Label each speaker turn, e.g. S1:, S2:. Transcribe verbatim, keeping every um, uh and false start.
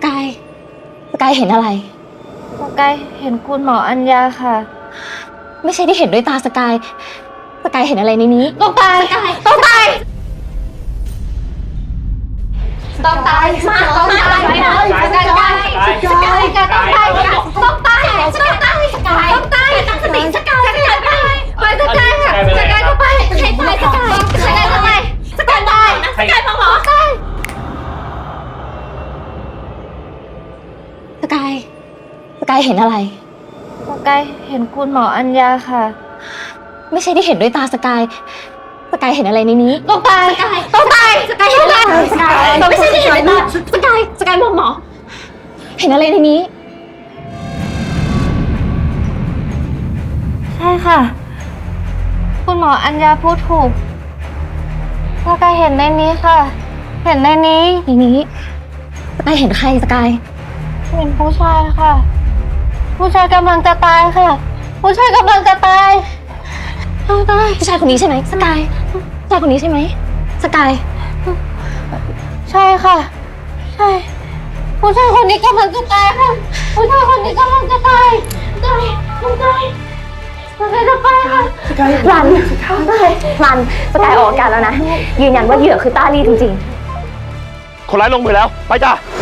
S1: กายสกายเห็นอะไร
S2: สกายเห็นคุณหมออัญญาค่ะ
S1: ไม่ใช่ที่เห็นด้วยตาสกายสกายเห็นอะไรในนี้
S2: ต้องตายต้องตายต้องตายมาต้องตายสกายสกายสกายต้องตายต้องตายต้องตายสกายต้องตายตั้งสติสกายสกายไปไปสกายค่ะสกายก็ไปใครตายสกายสกายก็ไปสกายตายสกายฟังหมอสกาย
S1: สกายสกายเห็นอะไร
S2: สกายเห็นคุณหมออัญญาค่ะ
S1: ไม่ใช่ที่เห็นด้วยตาสกายสกายเห็นอะไรในนี้
S2: ต้องตายต้องตายสกายเห็นอะไร
S1: สกายไม่ใช่ที่เห็นด้วยตาสกายสกายบอกหมอเห็นอะไรในนี้
S2: ใช่ค่ะคุณหมออัญญาพูดถูกสกายเห็นในนี้ค่ะเห็นในนี้
S1: ในนี้สกายเห็นใครสกาย
S2: เห็นผู้ชายค่ะผู้ชายกำลังจะตายค่ะผู้ชายกำลังจะตายต้องตาย
S1: ผู้ชายคนนี้ใช่ไหมสกายผู้ชายคนนี้ใช่ไหมสกาย
S2: ใช่ค่ะใช่ผู้ชายคนนี้กำลังจะตายค่ะผู้ชายคนนี้กำลังจะตายตายต้องตายสกายจะไปค่ะ
S1: สกายรันรันสกายออกอาการแล้วนะยืนยันว่าเหยื่อคือต้าลี่จริง
S3: ๆคนร้ายลงมือแล้วไปจ้า